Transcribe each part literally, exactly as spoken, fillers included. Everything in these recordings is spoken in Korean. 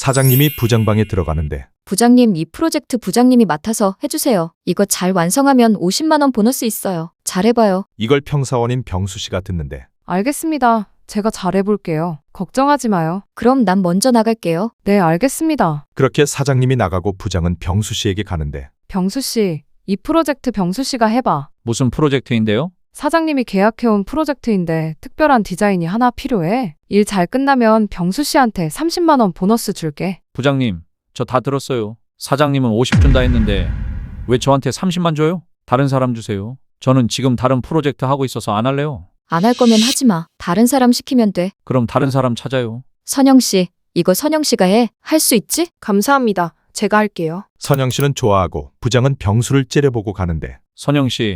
사장님이 부장방에 들어가는데 부장님, 이 프로젝트 부장님이 맡아서 해주세요. 이거 잘 완성하면 오십만 원 보너스 있어요. 잘해봐요. 이걸 평사원인 병수 씨가 듣는데 알겠습니다. 제가 잘해볼게요. 걱정하지 마요. 그럼 난 먼저 나갈게요. 네, 알겠습니다. 그렇게 사장님이 나가고 부장은 병수 씨에게 가는데 병수 씨, 이 프로젝트 병수 씨가 해봐. 무슨 프로젝트인데요? 사장님이 계약해온 프로젝트인데 특별한 디자인이 하나 필요해. 일 잘 끝나면 병수 씨한테 삼십만 원 보너스 줄게. 부장님, 저 다 들었어요. 사장님은 오십 준다 했는데 왜 저한테 삼십만 줘요? 다른 사람 주세요. 저는 지금 다른 프로젝트 하고 있어서 안 할래요. 안 할 거면 하지 마. 다른 사람 시키면 돼. 그럼 다른 사람 찾아요. 선영 씨, 이거 선영 씨가 해. 할 수 있지? 감사합니다. 제가 할게요. 선영 씨는 좋아하고 부장은 병수를 째려보고 가는데 선영 씨,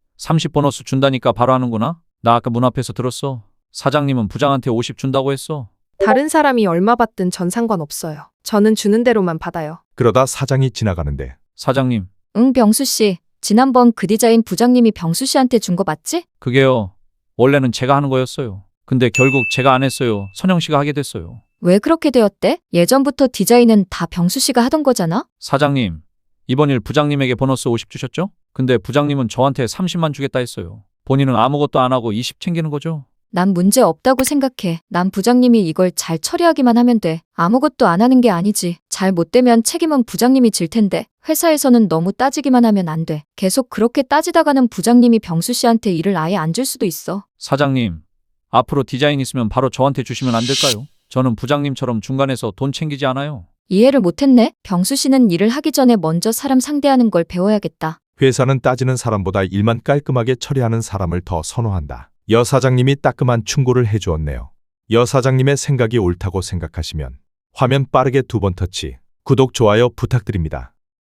삼십 보너스 준다니까 바로 하는구나? 나 아까 문 앞에서 들었어. 사장님은 부장한테 오십 준다고 했어. 다른 사람이 얼마 받든 전 상관없어요. 저는 주는 대로만 받아요. 그러다 사장이 지나가는데 사장님, 응, 병수 씨. 지난번 그 디자인 부장님이 병수 씨한테 준 거 맞지? 그게요. 원래는 제가 하는 거였어요. 근데 결국 제가 안 했어요. 선영 씨가 하게 됐어요. 왜 그렇게 되었대? 예전부터 디자인은 다 병수 씨가 하던 거잖아? 사장님, 이번 일 부장님에게 보너스 오십 주셨죠? 근데 부장님은 저한테 삼십만 주겠다 했어요. 본인은 아무것도 안 하고 이십 챙기는 거죠? 난 문제 없다고 생각해. 난 부장님이 이걸 잘 처리하기만 하면 돼. 아무것도 안 하는 게 아니지. 잘 못 되면 책임은 부장님이 질 텐데 회사에서는 너무 따지기만 하면 안 돼. 계속 그렇게 따지다가는 부장님이 병수 씨한테 일을 아예 안 줄 수도 있어. 사장님, 앞으로 디자인 있으면 바로 저한테 주시면 안 될까요? 저는 부장님처럼 중간에서 돈 챙기지 않아요. 이해를 못했네. 병수 씨는 일을 하기 전에 먼저 사람 상대하는 걸 배워야겠다. 회사는 따지는 사람보다 일만 깔끔하게 처리하는 사람을 더 선호한다. 여 사장님이 따끔한 충고를 해주었네요. 여 사장님의 생각이 옳다고 생각하시면 화면 빠르게 두 번 터치, 구독, 좋아요 부탁드립니다.